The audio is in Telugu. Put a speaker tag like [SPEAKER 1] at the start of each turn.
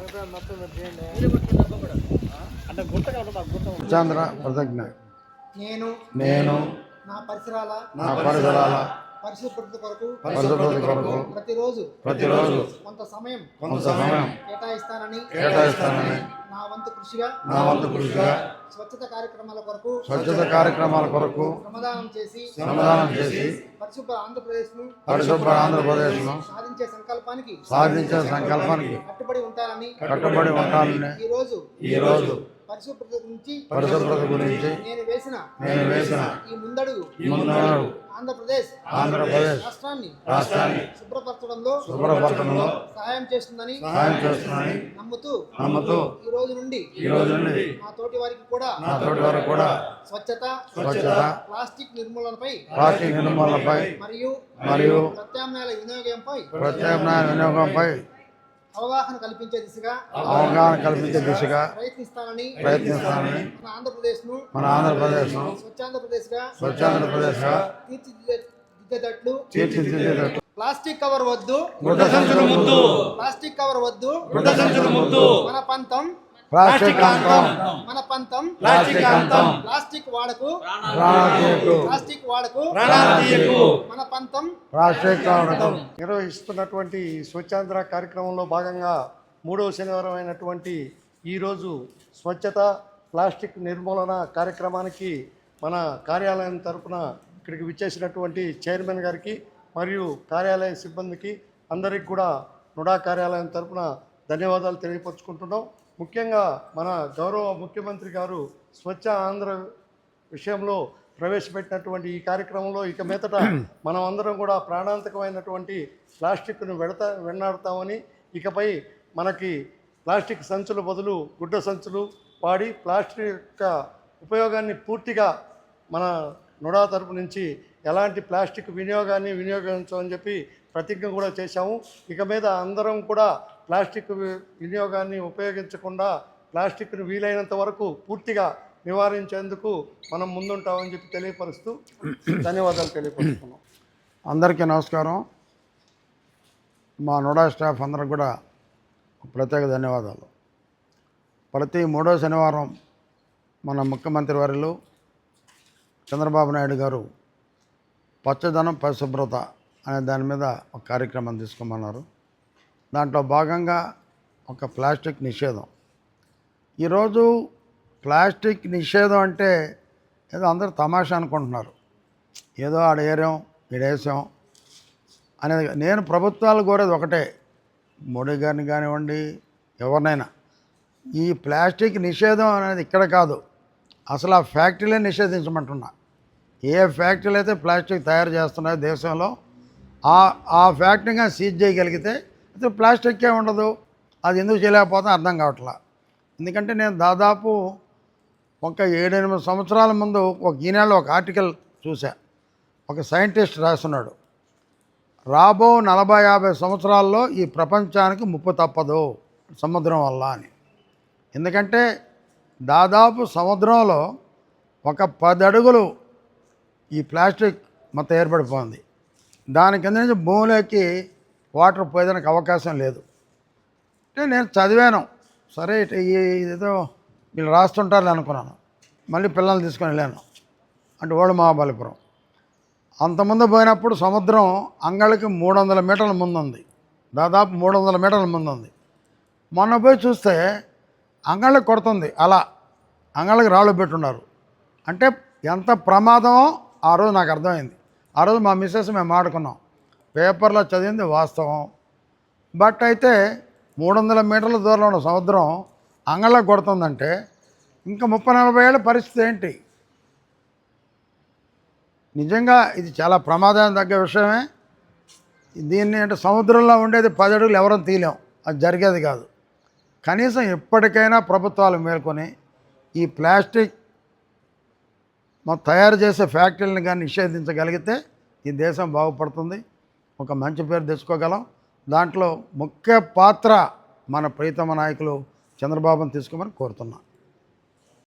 [SPEAKER 1] చంద్ర ప్రతిజ్ఞ
[SPEAKER 2] నేను
[SPEAKER 1] నేను
[SPEAKER 2] నా పరిసరాల పరిశుభ్రత కొరకు ప్రతిరోజు కొంత సమయం కేటాయిస్తానని నా వంతు కృషిగా స్వచ్ఛత కార్యక్రమాల కొరకు శ్రమదానం చేసి పరిశుభ్ర ఆంధ్రప్రదేశ్ ను సాధించే సంకల్పానికి కట్టుబడి ఉంటానని ఈ రోజు పరిశుభ్రత గురించి నేను వేసిన ఈ ముందడుగు ఆంధ్రప్రదేశ్ రాష్ట్రాన్ని శుభ్రపరచడంలో సహాయం చేస్తుందని నమ్ముతూ ఈ రోజు నుండి మా తోటి వారికి కూడా స్వచ్ఛత ప్లాస్టిక్ నిర్మూలనపై మరియు ప్రత్యామ్నాయాల వినియోగంపై అవగాహన కల్పించే దిశగా ప్రయత్నిస్తానని మన ఆంధ్రప్రదేశ్ ను స్వచ్ఛాంధ్రప్రదేశ్ గా తీర్చిదిద్దేటట్లు ప్లాస్టిక్ కవర్ వద్దు ప్లాస్టిక్ కవర్ వద్దు మన పంతం ప్లాస్టిక్ వాడకు మన పంతం
[SPEAKER 3] నిర్వహిస్తున్నటువంటి స్వచ్ఛాంధ్ర కార్యక్రమంలో భాగంగా 3వ శనివారం అయినటువంటి ఈరోజు స్వచ్ఛత ప్లాస్టిక్ నిర్మూలన కార్యక్రమానికి మన కార్యాలయం తరపున ఇక్కడికి విచ్చేసినటువంటి చైర్మన్ గారికి మరియు కార్యాలయ సిబ్బందికి అందరికి కూడా నుడా కార్యాలయం తరపున ధన్యవాదాలు తెలియపరుచుకుంటున్నాం. ముఖ్యంగా మన గౌరవ ముఖ్యమంత్రి గారు స్వచ్ఛ ఆంధ్ర విషయంలో ప్రవేశపెట్టినటువంటి ఈ కార్యక్రమంలో ఇక మీదట మనం అందరం కూడా ప్రాణాంతకమైనటువంటి ప్లాస్టిక్ను వెన్నాడుతామని, ఇకపై మనకి ప్లాస్టిక్ సంచుల బదులు గుడ్డ సంచులు వాడి ప్లాస్టిక్ యొక్క ఉపయోగాన్ని పూర్తిగా మన నుడా తరపు నుంచి ఎలాంటి ప్లాస్టిక్ వినియోగించమని చెప్పి ప్రతిజ్ఞ కూడా చేశాము. ఇక మీద అందరం కూడా ప్లాస్టిక్ వినియోగాన్ని ఉపయోగించకుండా ప్లాస్టిక్ను వీలైనంత వరకు పూర్తిగా నివారించేందుకు మనం ముందుంటామని చెప్పి తెలియపరుస్తూ ధన్యవాదాలు తెలియపరుస్తున్నాం.
[SPEAKER 1] అందరికీ నమస్కారం. మా నోడా స్టాఫ్ అందరికి కూడా ప్రత్యేక ధన్యవాదాలు. ప్రతి 3వ శనివారం మన ముఖ్యమంత్రి వర్యులు చంద్రబాబు నాయుడు గారు పచ్చదనం పరిశుభ్రత అనే దాని మీద ఒక కార్యక్రమం తీసుకోమన్నారు. దాంట్లో భాగంగా ఒక ప్లాస్టిక్ నిషేధం. ఈరోజు ప్లాస్టిక్ నిషేధం అంటే ఏదో అందరూ తమాషా అనుకుంటున్నారు, ఏదో ఆడేరాం ఈడేసాం అనేది. నేను ప్రభుత్వాలు కోరేది ఒకటే, మోడీ గారిని కానివ్వండి ఎవరినైనా, ఈ ప్లాస్టిక్ నిషేధం అనేది ఇక్కడ కాదు, అసలు ఆ ఫ్యాక్టరీలే నిషేధించమంటున్నా. ఏ ఫ్యాక్టరీలు అయితే ప్లాస్టిక్ తయారు చేస్తున్నాయో దేశంలో ఆ ఫ్యాక్టరీగా సీజ్ చేయగలిగితే అయితే ప్లాస్టిక్కే ఉండదు. అది ఎందుకు చేయలేకపోతే అర్థం కావట్లా. ఎందుకంటే నేను దాదాపు ఒక 7-8 సంవత్సరాల ముందు ఒక ఈనాడులో ఒక ఆర్టికల్ చూసా. ఒక సైంటిస్ట్ రాస్తున్నాడు, రాబో 40-50 సంవత్సరాల్లో ఈ ప్రపంచానికి ముప్పు తప్పదు సముద్రం వల్ల అని. ఎందుకంటే దాదాపు సముద్రంలో ఒక 10 అడుగులు ఈ ప్లాస్టిక్ మొత్తం ఏర్పడిపోయింది. దాని కింద నుంచి భూమిలోకి వాటర్ పోయేదానికి అవకాశం లేదు. అంటే నేను చదివాను, సరే ఇదేదో వీళ్ళు రాస్తుంటారని అనుకున్నాను. మళ్ళీ పిల్లల్ని తీసుకొని వెళ్ళాను, అంటే ఓల్డ్ మహాబలిపురం. అంతకుముందు పోయినప్పుడు సముద్రం అంగళికి 300 మీటర్ల ముందుంది, దాదాపు 300 మీటర్ల ముందుంది. మొన్న పోయి చూస్తే అంగళ్ళకి కొడుతుంది, అలా అంగళ్ళకి రాళ్ళు పెట్టున్నారు. అంటే ఎంత ప్రమాదమో ఆ రోజు నాకు అర్థమైంది. ఆ రోజు మా మిస్సెస్ మేము ఆడుకున్నాం, పేపర్లో చదివింది వాస్తవం. బట్ అయితే 300 మీటర్ల దూరంలో ఉన్న సముద్రం అంగళ్ళకి కొడుతుందంటే ఇంకా 30-40 ఏళ్ళ పరిస్థితి ఏంటి? నిజంగా ఇది చాలా ప్రమాదానికి తగ్గ విషయమే. దీన్ని అంటే సముద్రంలో ఉండేది 10 అడుగులు ఎవరం తీయలేం, అది జరిగేది కాదు. కనీసం ఎప్పటికైనా ప్రభుత్వాలు మేల్కొని ఈ ప్లాస్టిక్ తయారు చేసే ఫ్యాక్టరీలను కానీ నిషేధించగలిగితే ఈ దేశం బాగుపడుతుంది, ఒక మంచి పేరు తెచ్చుకోగలం. దాంట్లో ముఖ్య పాత్ర మన ప్రీతమ నాయకులు చంద్రబాబును తీసుకోమని కోరుతున్నాను.